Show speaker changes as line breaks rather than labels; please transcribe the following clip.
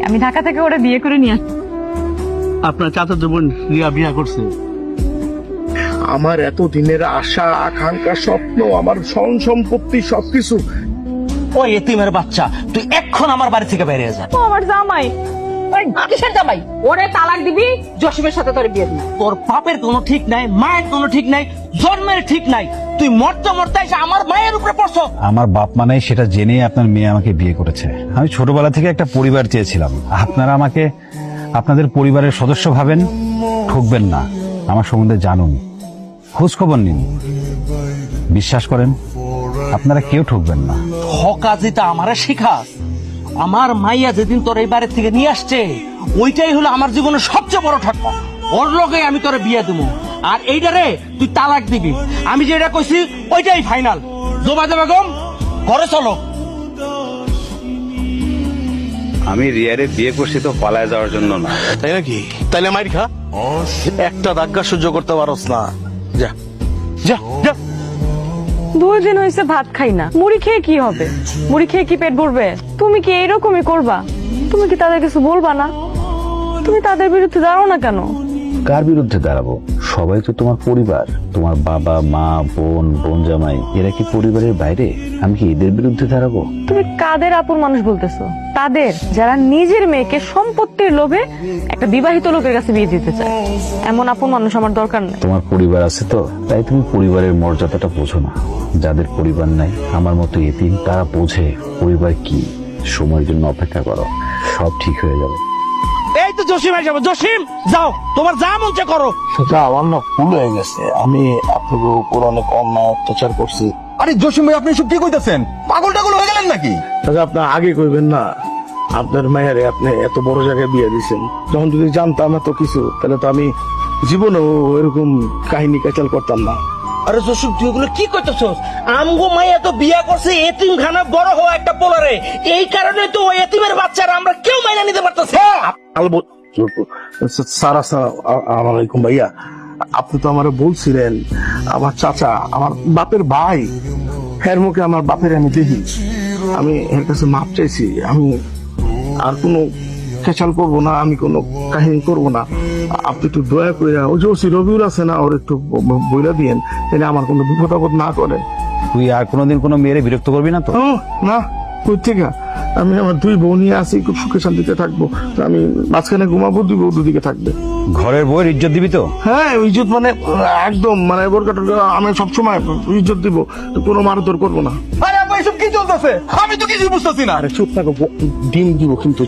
আমি ঢাকা থেকে ওরা বিয়ে করে নিয়ে আসছি।
আপনার চাচাতো বোন রিয়া বিয়া করছে।
আমার এত দিনের আশা আকাঙ্ক্ষা স্বপ্ন আমার ধন সম্পত্তি সবকিছু
ওই এতিমের বাচ্চা, তুই এখন আমার বাড়ি থেকে বেরিয়ে যা।
ও আমার জামাই।
কিসের জামাই? ওরে তালাক দিবি, জসিমের সাথে তোর বিয়ে দিবি।
তোর বাপের কোনো ঠিক নাই, মায়ের কোনো ঠিক নাই, জন্মের ঠিক নাই, তুই মরতে মরতে এসে আমার মায়ের উপরে পড়ছো।
আমার বাপ মা নাই সেটা জেনেই আপনার মেয়ে আমাকে বিয়ে করেছে। আমি ছোটবেলা থেকে একটা পরিবার চেয়েছিলাম। আপনারা আমাকে আপনাদের পরিবারের সদস্য ভাবেন, ঠকবেন না। আমার সম্বন্ধে জানুন, খোঁজ খবর নিন, বিশ্বাস করেন আপনারা কেউ ঠকবেন না।
হকাজিটা আমারে শিখা। আমার মাইয়া যেদিন তোর এই বাড়ি থেকে নিয়ে আসছে, ওইটাই হলো আমার জীবনের সবচেয়ে বড় ঠক্কা। ওর লগে আমি তোরে বিয়ে দেবো, আর এইটারে তুই তালাক দিবি। আমি যেটা কইছি ওইটাই ফাইনাল। জোবাদে বেগম, ঘরে চলো।
আমি রিয়ারে বিয়ে করছি তো পালায় যাওয়ার জন্য না।
তাই নাকি? তাইলে মাইর খা, একটা ধাক্কা সহ্য করতে পারস না। যা যা যা।
2 দিন হয়েছে ভাত খাই না, মুড়ি খেয়ে কি হবে? মুড়ি খেয়ে কি পেট ভরবে? তুমি কি এইরকমই করবা? তুমি কি তাদের কিছু বলবা না? তুমি তাদের বিরুদ্ধে দাঁড়াও না কেন?
কার বিরুদ্ধে দাঁড়াবো? সবাই তো তোমার পরিবার। তোমার বাবা মা বোন বোন জামাই এরা কি পরিবারের বাইরে? আমি কি এদের বিরুদ্ধে দাঁড়াবো?
তুমি কাদের আপন মানুষ বলতেছো? তাদের যারা নিজের মেয়েকে সম্পত্তির লোভে একটা বিবাহিত লোকের কাছে বিয়ে দিতে চায়। এমন আপন মানুষ আমার দরকার নেই।
তোমার পরিবার আছে তো, তাই তুমি পরিবারের মর্যাদাটা বোঝো না। যাদের পরিবার নাই আমার মতো এতিম, তারা বোঝে পরিবার কি। সময়ের জন্য অপেক্ষা করো, সব ঠিক হয়ে যাবে।
এই তো জসিম এসে যাবো। জসিম, যাও, তোমার যা মন চায় করো।
সেটা আমার না ভুল হয়ে গেছে। আমি আপনাদের উপর অনেক অন্যায় অত্যাচার করছি।
আরে জসিম ভাই, আপনি সব কি কইতাছেন? পাগল টাগল হয়ে গেলেন নাকি?
তাহলে আপনার আগে কইবেন না, আপনার মায়েরে আপনি এত বড় জায়গায় বিয়ে দিয়েছেন। যখন যদি জানতাম এত কিছু, তাহলে তো আমি জীবনেও এরকম কাহিনী কাচাল করতাম না।
আরে জসিম, তুই এগুলো কি করতেছস? আমগো মাইয়া তো বিয়া করছে এতিম খানা বড় হওয়া একটা পোলারে। এই কারণে তো ওই এতিমের বাচ্চারা আমরা কেউ মাইনা নিতে পারতেছি।
সারা আলাইকুম ভাইয়া, আপনি তো আমার বলছিলেন আমার চাচা আমার বাপের ভাই, এর মুখে আমার বাপের আমি দেখি। আমি এর কাছে মাপ চাইছি। আমি আর কোনো খেচাল করবো না, আমি কোনো কাহিনী করবো না। আপনি একটু দয়া করে ওই যে ওসি রবিউল আছে না, ওর একটু বইলা দিয়েন, তাহলে আমার কোনো বিপদ আপদ না করে।
তুই আর কোনোদিন কোনো মেয়েরে বিরক্ত করবি না তো?
না, কই থেকে? আমি আমার 2 বউ নিয়ে আছি, খুব সুখে শান্তিতে থাকবো। তো আমি মাঝখানে ঘুমাবো, 2 বউ দুদিকে থাকবে।
ঘরের বউয়ের ইজ্জত দিবি তো?
হ্যাঁ, ইজ্জত মানে একদম মানে বোরকাটা আমি সবসময় ইজ্জত দিব, তো কোনো মারধর করবো না।
আরে আপনি সব কি চলতেছে? আমি তো কিছু বুঝতেছি না।
আরে চুপ থাকো, ডিম দিব কিন্তু।